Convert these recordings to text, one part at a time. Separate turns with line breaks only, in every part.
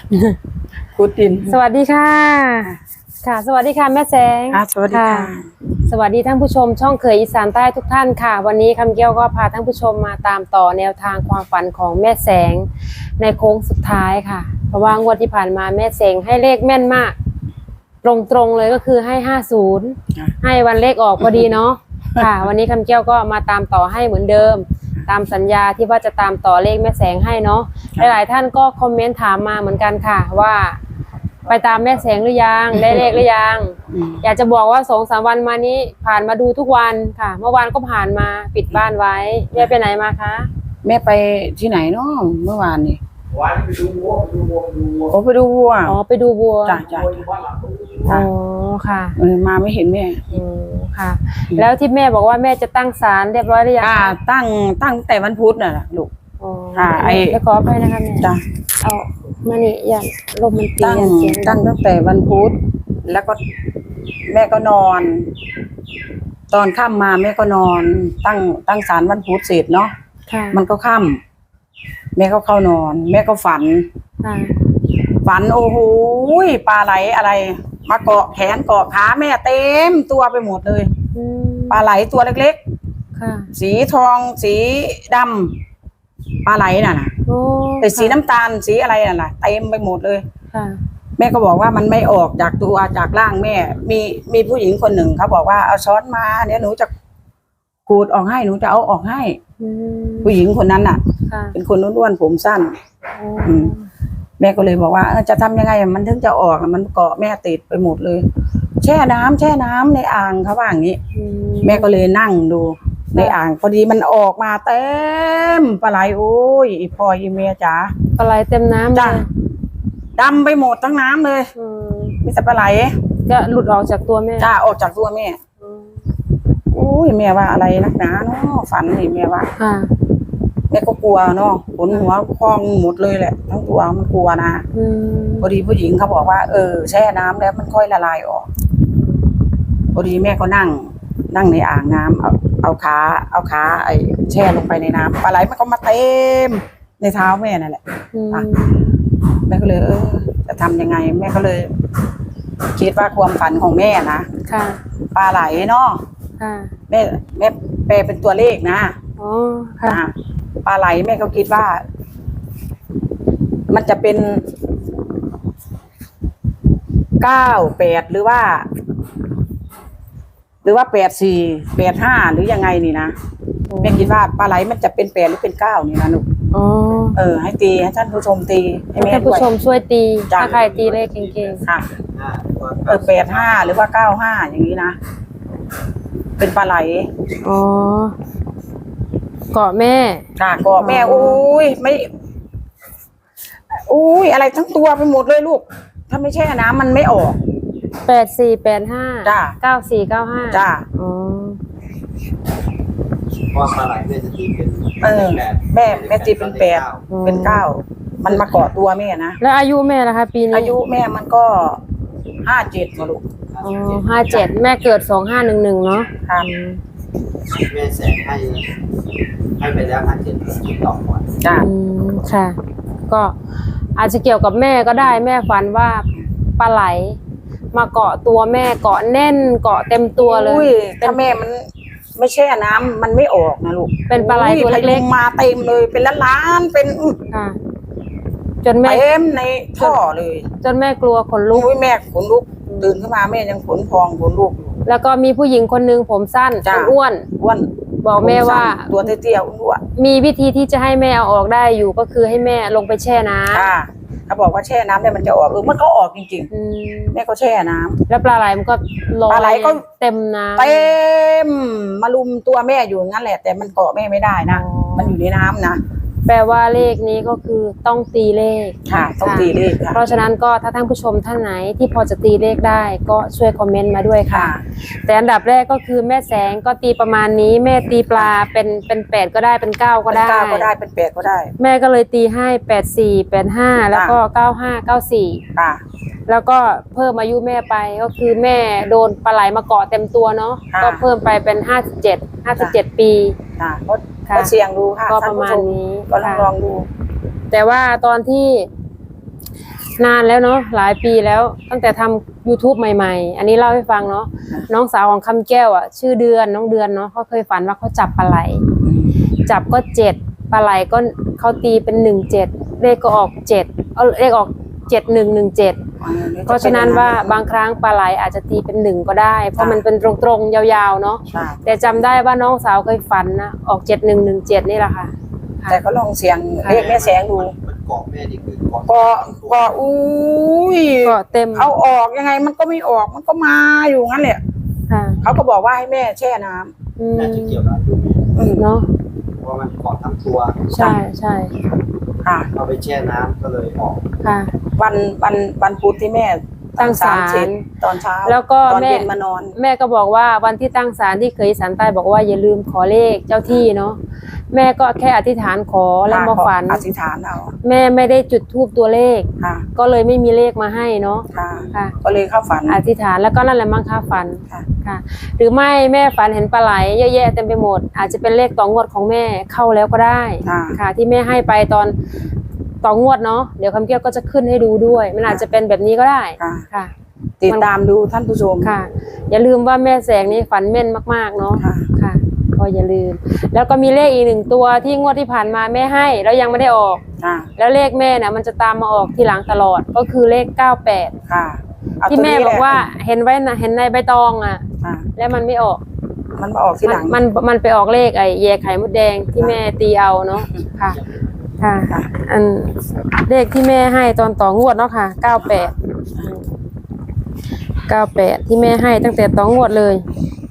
ขุดดิน
สวัสดีค่ะค่ะสวัสดีค่ะแม่แสง
สวัสดีค่ะ
สวัสดีท่านผู้ชมช่องเคยอีสานใต้ทุกท่านค่ะวันนี้คำเกี้ยวก็พาท่านผู้ชมมาตามต่อแนวทางความฝันของแม่แสงในโค้งสุดท้ายค่ะเพราะว่างวดที่ผ่านมาแม่แสงให้เลขแม่นมากตรงเลยก็คือให้50ให้วันเลขออกพอดีเนาะค่ะวันนี้คำเกี้ยวก็มาตามต่อให้เหมือนเดิมตามสัญญาที่ว่าจะตามต่อเลขแม่แสงให้เนาะหลายๆท่านก็คอมเมนต์ถามมาเหมือนกันค่ะว่าไปตามแม่แสงหรือยังได้เลขหรือยังอยากจะบอกว่า2-3 วันมานี้ผ่านมาดูทุกวันค่ะเมื่อวานก็ผ่านมาปิดบ้านไว้แม่ไปไหนมาคะ
แม่ไปที่ไหนเนาะเมื่อวานนี่
วันไปดูวัว
ไปดูวัว
ไปดูวัว
จ้ะ
อ๋อค่ะ
มาไม่เห็นแม่
ค่ะแล้วที่แม่บอกว่าแม่จะตั้งศาลเรียบร้อยหรือยัง
ตั้งแต่วันพุธน่ะลูก
แล้วขอไปนะคะแม่
จ้ะ
เอามานี่อย่างลมมันตี
ตั้งแต่วันพุธแล้วก็แม่ก็นอนตอนค่ำมาแม่ก็นอนตั้งศาลวันพุธเสร็จเนาะมันก็ค่ำแม่ก็เข้านอนแม่ก็ฝันโอ้โหปลาไหลอะไรมาเกาะแขนเกาะขาแม่เต็มตัวไปหมดเลยปลาไหลตัวเล็กๆสีทองสีดำปลาไหลน่ะแต่สีน้ำตาลสีอะไรน่ะเต็มไปหมดเลยแม่ก็บอกว่ามันไม่ออกจากตัวจากร่างแม่มีผู้หญิงคนหนึ่งเขาบอกว่าเอาช้อนมาเนี่ยหนูจะขูดออกให้หนูจะเอาออกให้ผู้หญิงคนนั้นน่ะเป็นคนอ้วนๆผมสั้นแม่ก็เลยบอกว่าจะทำยังไงมันถึงจะออกมันเกาะแม่ติดไปหมดเลยแช่น้ำในอ่างเขาว่าอย่างนี้แม่ก็เลยนั่งดูในอ่างพอดีมันออกมาเต็มปลาไหลโอ้ยอีพ่ออีเมียจ๋า
ปลาไหลเต็มน้ำ
จ้ะดำไปหมดทั้งน้ำเลยมีแต่ปลาไหล
จะหลุดออกจากตัวแม่
จ้าออกจากตัวแม่โอ้ยแม่ว่าอะไรนักหนาเนาะฝันนี่แม่ว่าแม่ก็กลัวเนาะขนหัวพองหมดเลยแหละทั้งตัวมันกลัวนะพอดีผู้หญิงเขาบอกว่าแช่น้ำแล้วมันค่อยละลายออกพอดีแม่ก็นั่งในอ่างน้ำเอาขาไอ้แช่ลงไปในน้ำปลาไหลมันก็มาเต็มในเท้าแม่นั่นแหละแม่ก็เลยจะทำยังไงแม่ก็เลยคิดว่าความฝันของแม่นะปลาไหลเนาะแม่แปลเป็นตัวเลขนะปลาไหลแม่ก็คิดว่ามันจะเป็น98หรือว่า84 85หรือยังไงนี่นะแม่คิดว่าปลาไหลมันจะเป็น8หรือเป็น9นี่นะลูกให้ตีให้ท่านผู้ชมตีให้แม่
ท่านผู้ชมช่วยตีถ้าใครตีเลขเก่งๆ
ค่ะ85หรือว่า95อย่างนี้นะเป็นปลาไหล
เกาะแม่
เกาะแม่อุ้ยไม่อะไรทั้งตัวไปหมดเลยลูกถ้าไม่แช่น้ำมันไม่ออก
84 85
จ้า
94 95
จ้า
ว่าปลาไหลแม่จะตีเป็น
แม่ตีเป็น8เป็น9มันมาเกาะตัวแม่นะ
แล้วอายุแม่ล่ะคะปีนี้
อายุแม่มันก็57มาลูก
57แม่เกิด2511เนาะ
แม่แสงให้ไปแล้ว57ต่อก่อน
จ้า
ค่ะก็อาจจะเกี่ยวกับแม่ก็ได้แม่ฝันว่าปลาไหลมาเกาะตัวแม่เกาะแน่นเกาะเต็มตัวเลย
ถ้าแม่มันไม่แช่น้ำมันไม่ออกนะลูก
เป็นปลาไหลตัวเล็ก
ๆมาเต็มเลยเป็นล้านเป็น
จนแม่
เต็มในท่อเลย
จนแม่กลัวขนลุก
แม่ขนลุกตื่นขึ้นมาแม่ยังขนพองขนลุก
แล้วก็มีผู้หญิงคนนึงผมสั้นอ้วนบอกแม่ว่า
ตัวเตี้ยๆอ้วน
มีวิธีที่จะให้แม่เอาออกได้อยู่ก็คือให้แม่ลงไปแช่น้ำ
เขาบอกว่าแช่น้ำเนี่ยมันจะออกมันก็ออกจริงๆแม่ก็แช่น้ำ
แล้วปลาไหลมันก็ลอย
ปลาไหลก็
เต็มน้ำ
เต็มมาลุมตัวแม่อยู่งั้นแหละแต่มันเกาะแม่ไม่ได้นะมันอยู่ในน้ำนะ
แปลว่าเลขนี้ก็คือต้องตีเลข
ต้องตีเลข
เพราะฉะนั้นก็ถ้าท่านผู้ชมท่านไหนที่พอจะตีเลขได้ก็ช่วยคอมเมนต์มาด้วยค่ะแต่อันดับแรกก็คือแม่แสงก็ตีประมาณนี้แม่ตีปลาเป็น8ก็ได้เป็น9ก็ได้
เป็น8ก็ได้
แม่ก็เลยตีให้84 85แล้วก็95 94แล้วก็เพิ่มอายุแม่ไปก็คือแม่โดนปลาไหลมาเกาะเต็มตัวเนาะก็เพิ่มไปเป็น57ปี
ก็เสี่ยงดูค่ะ
ก็ประมาณนี้
ก็ลองดู
แต่ว่าตอนที่นานแล้วเนาะหลายปีแล้วตั้งแต่ทำ YouTube ใหม่ๆ อันนี้เล่าให้ฟังเนาะน้องสาวของคำแก้วอ่ะชื่อเดือนน้องเดือนเนาะเขาเคยฝันว่าเขาจับปลาไหลจับก็7ปลาไหลก็เขาตีเป็น17เลขก็ออก7เอาเลขออก7117เพราะฉะนั้นว่าบางครั้งปลาไหลอาจจะตีเป็น1ก็ได้เพราะมันเป็นตรงๆยาวๆเนาะแต่จำได้ว่าน้องสาวเคยฝันนะออก7117นี่แหละค่ะ
แต่ก็ลองเสียงเลขแม่แสงดู
มันเกาะแม่นี่คือเกาะ
ก็อุ้ย
ก็เต็ม
เอาออกยังไงมันก็ไม่ออกมันก็มาอยู่งั้นแหละเขาก็บอกว่าให้แม่แช่น้ำ
น่าจะเกี่ยวกับอายุแม่
เนาะ
เพราะมันเกาะทั้งตัว
ใช่ใช่
ค่ะ
เอาไปแช่น้ำก็เลยออก
ค่ะ
วันพุธที่แม่
ตั้งศาล
ตอนเช้า
แล้วก็
แม่มานอน
แม่ก็บอกว่าวันที่ตั้งศาลที่เคยศาลใต้บอกว่าอย่าลืมขอเลขเจ้าที่เนาะแม่ก็แค่อธิษฐานขอแล้วมาฝัน
อธิษฐานเอา
แม่ไม่ได้จุดธูปตัวเลขก็เลยไม่มีเลขมาให้เนาะ
ค่ะก็เลยเข้าฝัน
อธิษฐานแล้วก็นั่นแหละมั่งค่าฝันค่ะหรือไม่แม่ฝันเห็นปลาไหลเยอะแยะเต็มไปหมดอาจจะเป็นเลขต่องวดของแม่เข้าแล้วก็ได้ค่ะที่แม่ให้ไปตอนต่องวดเนาะเดี๋ยวคำแก้วก็จะขึ้นให้ดูด้วยมันอาจจะเป็นแบบนี้ก็ได้ค่ะ
ติดตามดูท่านผู้ชม
ค่ะอย่าลืมว่าแม่แสงนี่ฝันแม่นมากๆเนาะค่ะก็อย่าลืมแล้วก็มีเลขอีก1ตัวที่งวดที่ผ่านมาแม่ให้แล้วยังไม่ได้ออกแล้วเลขแม่น่ะมันจะตามมาออกทีหลังตลอดก็คือเลข98
ค่ะ
ที่แม่บอกว่าเห็นไว้นะเห็นในใบตองอ่ะแล้วมันไม่ออก
มันมาออกทีหลัง
มันไปออกเลขไอ้แยไข่มดแดงที่แม่ตีเอาเนาะค่ะค่ะอันเลขที่แม่ให้ตอนต่องวดเนาะค่ะ98ที่แม่ให้ตั้งแต่ต่องวดเลย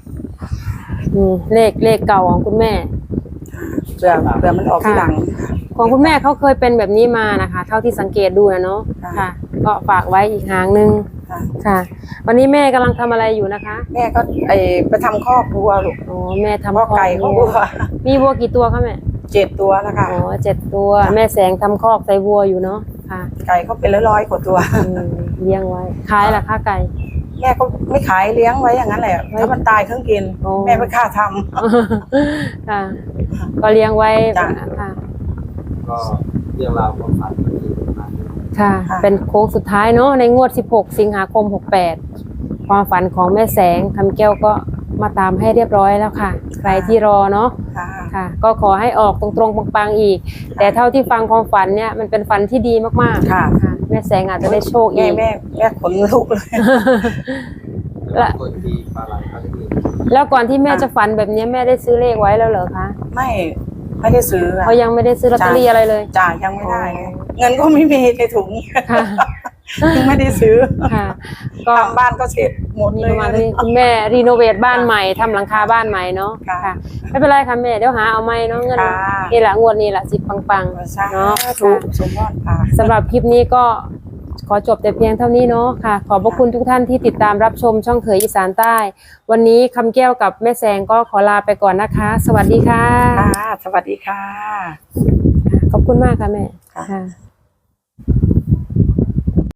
เลขเก่าของคุณแม่
เผื่อมันออกทีหลัง
ของคุณแม่เขาเคยเป็นแบบนี้มานะคะเท่าที่สังเกตดูนะเนาะค่ะก็ฝากไว้อีกหางนึงค่ะวันนี้แม่กำลังทำอะไรอยู่นะคะ
แม่ก็ไปทำคอกวัวลูก
อ๋อแม่ทำคอก
ไก่คอกวัว
มีวัวกี่ตัวคะแม่
7 ตัวนะคะ
อ๋อ7 ตัวแม่แสงทำคอกใส่วัวอยู่เนาะค่ะ
ไก่เขาเป็น100 กว่าตัว
เลี้ยงไว้ขายราคาไก่
แม่ก็ไม่ขายเลี้ยงไว้อย่างนั้นแหละถ้ามันตายเครื่องกินแม่ไม่ค่าท
ำค่ะก็เลี้ยงไว้ค่ะ
ก็เรื่องราวความฝันมันมีมา
ค่ะเป็นโค้งสุดท้ายเนาะในงวด16 สิงหาคม 68ความฝันของแม่แสงคำแก้วก็มาตามให้เรียบร้อยแล้วค่ะใครที่รอเนาะค่ะก็ขอให้ออกตรงๆปังๆอีกแต่เท่าที่ฟังความฝันเนี่ยมันเป็นฝันที่ดีมากๆค่ะแม่แสงอาจจะได้โชคอีก
แม่ขนลุกเลย
แล้วก่อนที่แม่จะฝันแบบนี้แม่ได้ซื้อเลขไว้แล้วเหรอคะ
ไม่ได้ซื้อ
เขายังไม่ได้ซื้อลอตเตอรี่อะไรเลย
จ้ายังไม่ได้เงินก็ไม่มีในถุงยังไม่ได้ซื้อก็ทำบ้านก็เสร็จหมดเลย
คุณแม่รีโนเวทบ้านใหม่ทำหลังคาบ้านใหม่เนาะค่ะไม่เป็นไรค่ะแม่เดี๋ยวหาเอาใหม่เนาะเงินนี่แหละงวดนี้แหละ10 ปังๆเนาะสำหรับคลิปนี้ก็ขอจบแต่เพียงเท่านี้เนาะค่ะขอบพระคุณทุกท่านที่ติดตามรับชมช่องเขยอีสานใต้วันนี้คำแก้วกับแม่แสงก็ขอลาไปก่อนนะคะสวัสดีค่ะ
สวัสดีค่ะ
ขอบคุณมากค่ะแม่ค่ะ